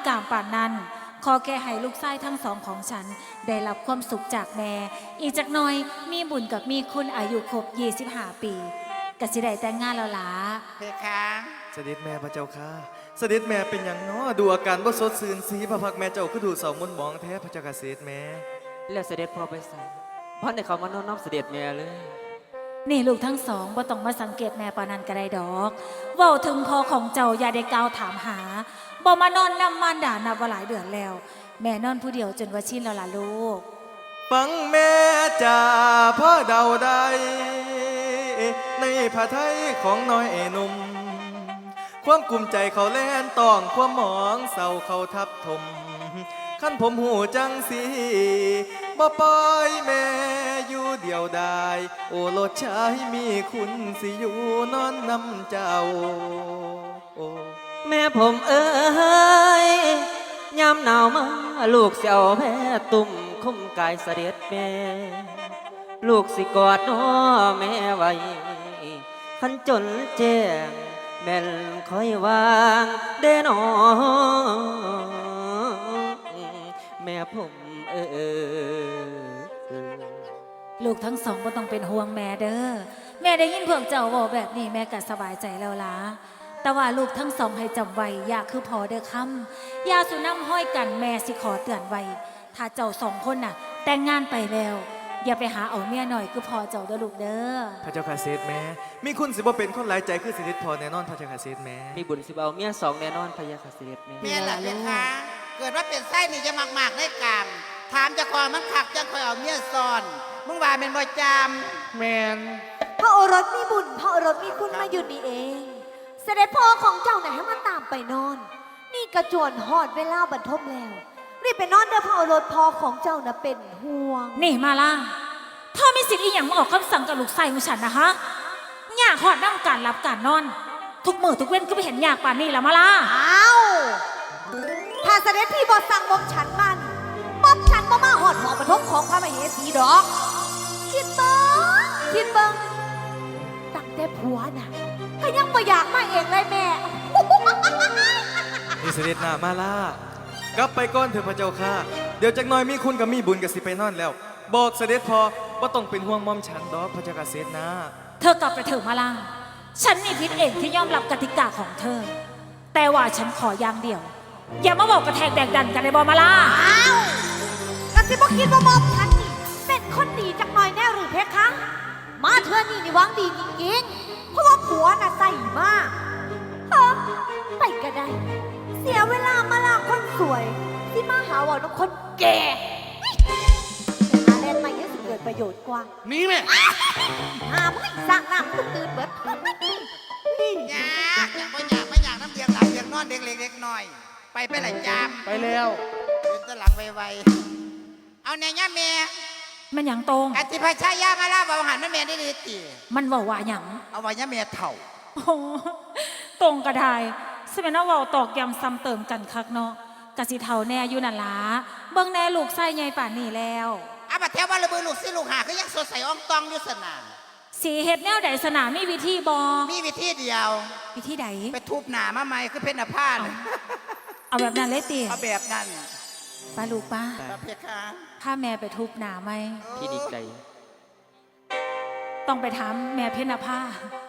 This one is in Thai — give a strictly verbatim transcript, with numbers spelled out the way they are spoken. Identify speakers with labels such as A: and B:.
A: กามป่านนั้นขอแค่ให้ลูกชายทั้งสองของฉันได้รับความสุขจากแม่อีกจักหน่อยมีบุญกับมีคุณอายุครบยี่สิบห้าปีก็สิได้แต่งงานแล้วล่ะ
B: เพคะ
C: เสด็จแม่พระเจ้าค่ะเสด็จแม่เป็นอย่างน้อดูอาการบ่สดชื่นสีพระพักแม่เจ้าคือดูเสามุนมองแท้พระเจ้าค่ะเสด็จแม่
D: แล้วเสด็จพ่อไปใส่พ่อในเขามานอนน้อมเสด็จแม่เลย
A: นี่ลูกทั้งสองบ่ต้องมาสังเกตแม่ปานนั้นก็ได้ดอกเว้าถึงพ่อของเจ้าอย่าได้กล่าวถามหาบ่มานอนนำมารดานับว่าหลายเดือนแล้วแม่นอนผู้เดียวจนว่าชินแล้วล่ะลูก
C: ฟังแม่จ่าพ่อเดาได้ในผาไทยของน้อยหนุ่มความกุมใจเขาแล่นต้องความหมองเศร้าเขาทับถมขั้นผมหูจังสีบ่ปล่อยแม่อยู่เดียวดายโอโลดชายมีคุณสิอยู่นอนนำเจ้า
D: แม่ผมเอ้ยยามหนาวมาลูกเสียวแพ้ตุ่มคุ้มกายเสด็จแม่ลูกสิกอดน้อแม่ไว้ขันจนแจ้งแม่นคอยวางเด้นอแม่ผมเออ
A: ลูกทั้งสองบ่ต้องเป็นห่วงแม่เด้อแม่ได้ยินพวกเจ้าบอกแบบนี้แม่ก็สบายใจแล้วล่ะแต่ว่าลูกทั้งสองให้จำไว้อย่าคือพอเด้อคำอย่าสุน้ำห้อยกันแม่สิขอเตือนไว้ถ้าเจ้าสองคนน่ะแต่งงานไปแล้วอย่าไปหาเอาเมียหน่อยคือพอเจ้าเด้อลูกเด้อ
C: พระเจ้าค่ะเสด็จแม่มีคุณสิบ่เป็นคนหลายใจคือสิริพรแน่นอนพระเจ้าค่ะเสด็จแม่
D: มีบุญสิเบาเมียสองแน่นอนพยาค่ะเสด็จแม่
B: เมียหลักเพคะเกิดว่าเป็นไส้นี่จะมากๆได้กามถามจะคอยมันขักจังคอยเอาเมียซ่อนมึงว่าเป็นบ่จาม
C: แมน
E: พระโอรสมีบุญพระโอรสมีคุณมาอยู่นี่เองเสด็จพ่อของเจ้าไหนให้มาตามไปนอนนี่กระจวนหอดเวลาบรรทมแล้วรีบไปนอนเด้อพระโอรสพ่อของเจ้าน่ะเป็นห่วง
A: นี่มาล่ะพ่อมีสิทธิ์อีหยังมาออกคำสั่งกับลูกชายของฉันนะฮะอยากหอดนั่งการรับการนอนทุกมื้อทุกเว้นก็ไปเห็นอยากป่านนี้แล้วมาล่ะ
E: อ้าวถ้าเสด็จพี่บอสั่งมอมฉันมันมอมฉันบ่มาหอดหอปฐมของพระมเหสีดอกคิดเบิ้งคิดเบิ้งตั้งแต่ผัวน่ะก็ยังบ่อยากมาเองเลยแม่
C: นี่เสด็จหน้ามาล่ากลับไปก่อนเถอะพระเจ้าค่ะเดี๋ยวจักหน่อยมีคุณกับมีบุญกับสิไปนอนแล้วบอกเสด็จพอว่าต้องเป็นห่วงมอมฉันดอกพระเจ้าค่ะเสด็จนะ
A: เธอกลับไปเถอะมาล่าฉันนี่ผิดเองที่ยอมรับกติกาของเธอแต่ว่าฉันขออย่างเดียวอย่ามาบอกกระแทกแดกดันกันในบอมาล่า
E: อ้าวกะสิบ่คิดว่ามอมฉันนี่เป็นคนดีจักหน่อยแน่หรือเพคะมาเธอนี่นี่หวังดีจริงๆเพราะว่าผัวน่ะใส่มากเฮ้ไปก็ได้เสียเวลามาลาคนสวยที่มาหาว่าน้องคนแก่หาแลนใหม่ยังสิเกิดประโยชน์กว่า
B: มีไหม
E: หาไม่สร้างน้ำตื่นตื่นเบิด
B: อยากอยากไม่อยากไม่อยากน้ำเดียงหลังเดียงนอนเด็กเล็กเล็กน้อยไปไปไหนจาม
C: ไปแล้ว
B: เดินตะหลังไวๆเอาแน่ย่าเมีย
A: มันหยังตรง
B: อธิพชายามาล่าบาหันมันเมียได้ดีตี
A: มันว่าว่าหยัง
B: เอาไว้ย่าเมียเถ่า
A: ตรงกระไดสมัยนั้นว่าตอกย้ำซ้ำเติมกันคักเนาะกะสิเท่าแน่อยู่นั่นล่ะเบิ่งแน่ลูกไส้ใหญ่ป่านนี้แล้ว
B: อาบัดแถววันระเบิดลูกซิลูกหาก็ยังสดใสอ่องตองอยู่สนาม
A: สีเฮ็ดแนวใดสนามมีวิธีบอ
B: มีวิธีเดียว
A: วิธีใด
B: ไปทุบหนามาใหม่คือเพชรผ้า
A: เอาแบบนั้นเลยตี
B: เอาแบบนั้น
A: ป้าลูกป้า
B: เพชรค่ะ
A: ถ้าแม่ไปทุบหนาไหม
D: พี่ดีใจ
A: ต้องไปถามแม่เพชรผ้า